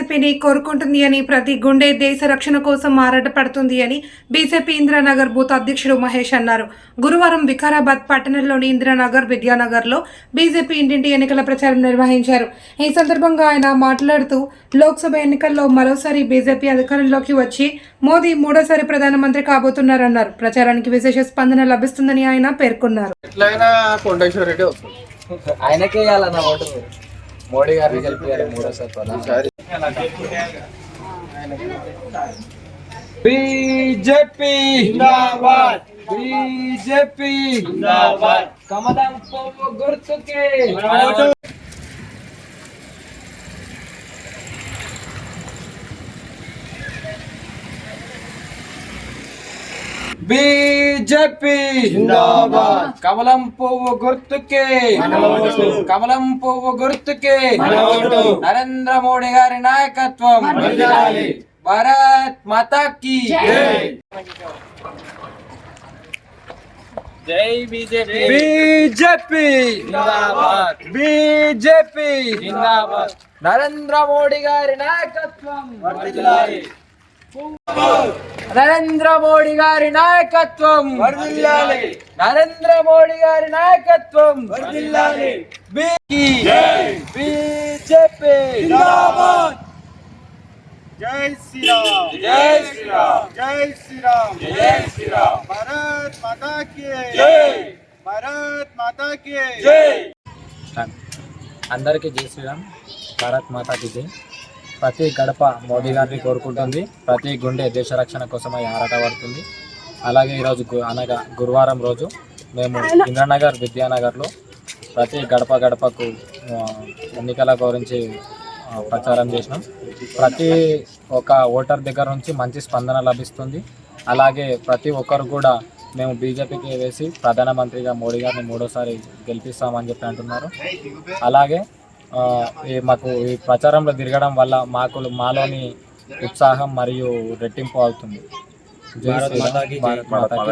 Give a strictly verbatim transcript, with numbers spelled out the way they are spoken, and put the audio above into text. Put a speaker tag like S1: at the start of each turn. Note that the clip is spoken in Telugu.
S1: బీజేపీని కోరుకుంటుంది అని, ప్రతి గుండె దేశ రక్షణ కోసం ఆరాటపడుతుంది అని బీజేపీ ఇందిరానగర్ బూత్ అధ్యక్షుడు మహేష్ అన్నారు. గురువారం వికారాబాద్ పట్టణంలోని ఇందిరానగర్, విద్యానగర్లో బీజేపీ ఇంటింటి ఎన్నికల ప్రచారం నిర్వహించారు. ఈ సందర్భంగా ఆయన మాట్లాడుతూ, లోక్సభ ఎన్నికల్లో మరోసారి బీజేపీ అధికారంలోకి వచ్చి మోదీ మూడోసారి ప్రధానమంత్రి కాబోతున్నారన్నారు. ప్రచారానికి విశేష స్పందన లభిస్తుందని ఆయన పేర్కొన్నారు.
S2: ఆయనకే వేయాలన్న ఓటు, మోడీ గారిని గెలిపారు మూడోసారి. బీజేపీ జిందాబాద్, బీజేపీ జిందాబాద్, కమలం పువ్వు గుర్తుకే బీజేపీ జిందాబాద్, కమలం పువ్వు గుర్తుకే, కమలం పువ్వు గుర్తుకే, నరేంద్ర మోడీ గారి నాయకత్వం, భారత్ మాతా కీ జై. బీజేపీ, బీజేపీ జిందాబాద్, బీజేపీ జిందాబాద్, నరేంద్ర మోడీ గారి నాయకత్వం, నరేంద్ర మోడీ గారి నాయకత్వం, నరేంద్ర మోడీ గారి నాయకత్వం, బీజేపీ జిందాబాద్.
S3: జై శ్రీరామ్,
S2: జై శ్రీరామ్,
S3: జై శ్రీరామ్,
S2: జై శ్రీరామ్,
S3: భారత్ మాతా కీ
S2: జై,
S3: భారత్ మాతా కీ
S2: జై. అందరికీ జై శ్రీరామ్, భారత్ మాతా కీ జై. ప్రతి గడప మోదీ గారిని కోరుకుంటుంది, ప్రతి గుండె దేశ రక్షణ కోసమై ఆరాటపడుతుంది. అలాగే ఈరోజు అనగా గురువారం రోజు మేము ఇంద్రనగర్, విద్యానగర్లో ప్రతి గడప గడపకు ఎన్నికల గురించి ప్రచారం చేసినాం. ప్రతి ఒక్క ఓటర్ దగ్గర నుంచి మంచి స్పందన లభిస్తుంది. అలాగే ప్రతి ఒక్కరు కూడా మేము బీజేపీకి వేసి ప్రధానమంత్రిగా మోడీ గారిని మూడోసారి గెలిపిస్తామని చెప్పి అంటున్నారు. అలాగే ఈ మాకు ఈ ప్రచారంలో తిరగడం వల్ల మాకు మాలోని ఉత్సాహం మరియు రెట్టింపు అవుతుంది. జై శ్రీరామ్, భారత్ మాతా కీ